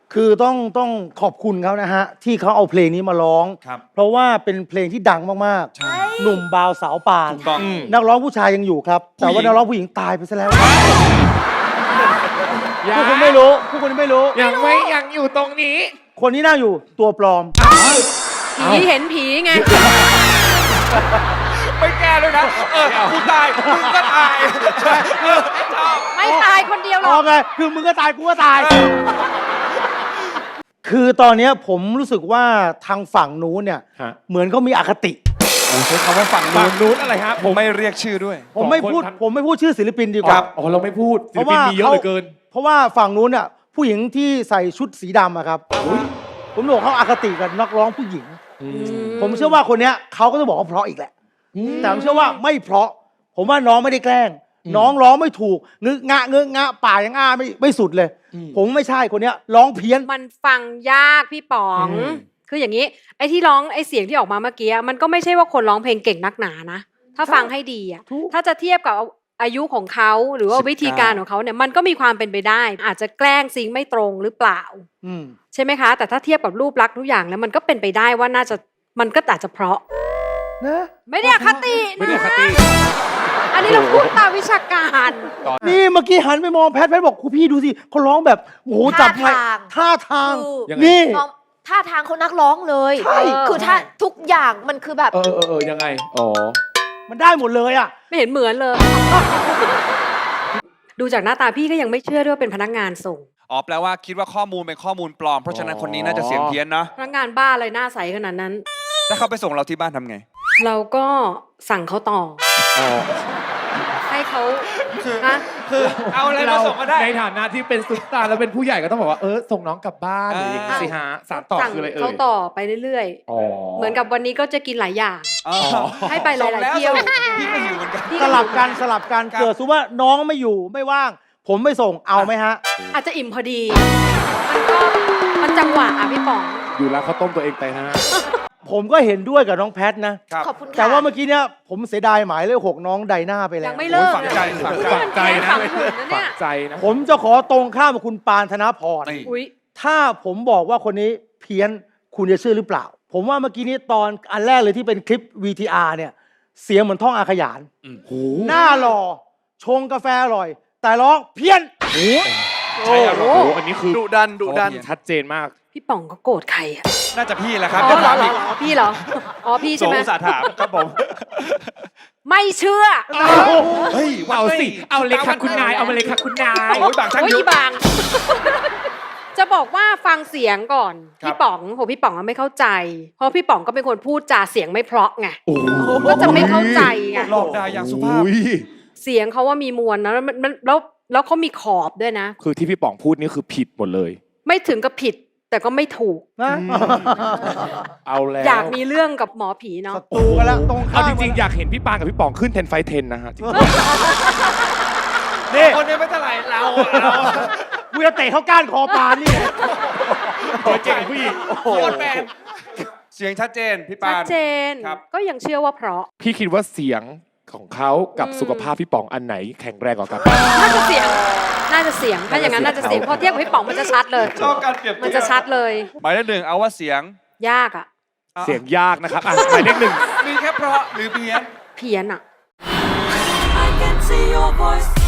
คือต้องขอบคุณเขานะฮะที่เขาเอาเพลงนี้มาร้องเพราะว่าเป็นเพลงที่ดังมากๆหนุ่มบาวสาวปานนักร้องผู้ชายยังอยู่ครับแต่ว่านักร้องผู้หญิงตายไปซะแล้วพวกคุณไม่รู้พวกคุณไม่รู้ยังอยู่ตรงนี้คนที่นั่งอยู่ตัวปลอมผีเห็นผีไงไม่แก้เลยนะกูตายมึงก็ตายไม่ตายคนเดียวหรอกไงคือมึงก็ตายกูก็ตายคือตอนนี้ผมรู้สึกว่าทางฝั่งนู้นเนี่ยเหมือนเขามีอคติใช้คำว่าฝั่งนู้นอะไรฮะผมไม่เรียกชื่อด้วยผมไม่พูดชื่อศิลปินดีกว่าอ๋อเราไม่พูดศิลปินมีเยอะเหลือเกินเพราะว่าฝั่งนู้นเนี่ยผู้หญิงที่ใส่ชุดสีดำอะครับผมบอกเขาอคติกับนักร้องผู้หญิงผมเชื่อว่าคนเนี้ยเขาก็จะบอกว่าเพราะอีกแหละแต่ผมเชื่อว่าไม่เพราะผมว่าน้องไม่ได้แกล้งน้องร้องไม่ถูกงึกงะป่ายังอ้าไม่สุดเลยผมไม่ใช่คนเนี้ยร้องเพี้ยนมันฟังยากพี่ป๋องคืออย่างนี้ไอ้ที่ร้องไอ้เสียงที่ออกมาเมื่อกี้มันก็ไม่ใช่ว่าคนร้องเพลงเก่งนักหนานะถ้าฟังให้ดีอ่ะถ้าจะเทียบกับอายุของเขาหรือว่าวิธีการของเขาเนี่ยมันก็มีความเป็นไปได้อาจจะแกล้งซิงไม่ตรงหรือเปล่าใช่ไหมคะแต่ถ้าเทียบกับรูปลักษณ์ทุกอย่างแล้วมันก็เป็นไปได้ว่าน่าจะมันก็อาจจะเพราะนะไม่ได้อคตินะอันนี้เราพูดตามวิชาการนี่เมื่อกี้หันไปมองแพทบอกครูพี่ดูสิเขาร้องแบบโอ้โหจับไงท่าทางนี่ท่าทางเขานักร้องเลยคือถ้าทุกอย่างมันคือแบบยังไงอ๋อมันได้หมดเลยอ่ะไม่เห็นเหมือนเลยดูจากหน้าตาพี่ก็ยังไม่เชื่อด้วยว่าเป็นพนักงานส่งแปลว่าคิดว่าข้อมูลเป็นข้อมูลปลอมเพราะฉะนั้นคนนี้น่าจะเสียงเพี้ยนนะพนักงานบ้าอะไรหน้าใสขนาดนั้นถ้าเขาไปส่งเราที่บ้านทำไงเราก็สั่งเขาต่อให้เขาคือเอาอะไรมาส่งก็ได้ในฐานะที่เป็นซุปตาร์แล้วเป็นผู้ใหญ่ก็ต้องบอกว่าส่งน้องกลับบ้านหรืออย่างนี้สิฮะสารต่อคืออะไรเขาต่อไปเรื่อยๆเหมือนกับวันนี้ก็จะกินหลายอย่างให้ไปหลายๆเที่ยวพี่ก็อยู่เหมือนกันสลับกันเกิดสมมติว่าน้องไม่อยู่ไม่ว่างผมไม่ส่งเอาไหมฮะอาจจะอิ่มพอดีมันจังหวะพี่ป๋องอยู่แล้วเขาต้มตัวเองไปฮะผมก็เห็นด้วยกับน้องแพทนะขอบคุณค่ะแต่ว่าเมื่อกี้เนี่ยผมเสียดายหมายเลข 6น้องไดนาไปแล้วยังไม่เลิกฝังใจนะฝังใจนะผมจะขอตรงข้ามกับคุณปานธนพรถ้าผมบอกว่าคนนี้เพี้ยนคุณจะเชื่อหรือเปล่าผมว่าเมื่อกี้นี้ตอนอันแรกเลยที่เป็นคลิป VTR เนี่ยเสียงเหมือนท่องอาขยานหน้าหล่อชงกาแฟอร่อยแต่ร้องเพี้ยนใช่ครับอันนี้คือดุดันชัดเจนมากพี่ป๋องก็โกรธใครอ่ะน่าจะพี่แหละครับอ๋อเหรอพี่เหรออ๋อพี่ใช่ไหมสงสารถามครับผมไม่เชื่อเฮ้ยเอาสิเอาเลยค่ะคุณนายเอามาเลยค่ะคุณนายโอ้ยบางช่างยุบบางจะบอกว่าฟังเสียงก่อนพี่ป๋องพี่ป๋องไม่เข้าใจเพราะพี่ป๋องก็เป็นคนพูดจาเสียงไม่เพราะไงก็จะไม่เข้าใจไงหลอกได้อย่างสุภาพเสียงเขาว่ามีมวลนะแล้วเขามีขอบด้วยนะคือที่พี่ป๋องพูดนี่คือผิดหมดเลยไม่ถึงกับผิดแต่ก็ไม่ถูกนะเอาแล้วอยากมีเรื่องกับหมอผีเนาะตูกันแล้วตรงเอาจริงๆอยากเห็นพี่ปานกับพี่ป๋องขึ้น10 ไฟ 10นะฮะนี่คนนี้ไม่เท่าไหร่เรากูจะเตะเขาก้านคอปานนี่ตัวเจ๋งผู้หญิงเสียงชัดเจนพี่ปานชัดเจนก็ยังเชื่อว่าเพราะพี่คิดว่าเสียงของเขากับสุขภาพพี่ป๋องอันไหนแข็งแรงกว่ากันน่าจะเสียงถ้าอย่างนั้นน่าจะเสียงพอเทียบกับพี่ป๋องมันจะชัดเลยชอบการเปรียบเทียบมันจะชัดเลยหมายเลข 1เอาว่าเสียงยากอ่ะเสียงยากนะครับหมายเลข 1 มีแค่เพราะหรือเพี้ยนอ่ะ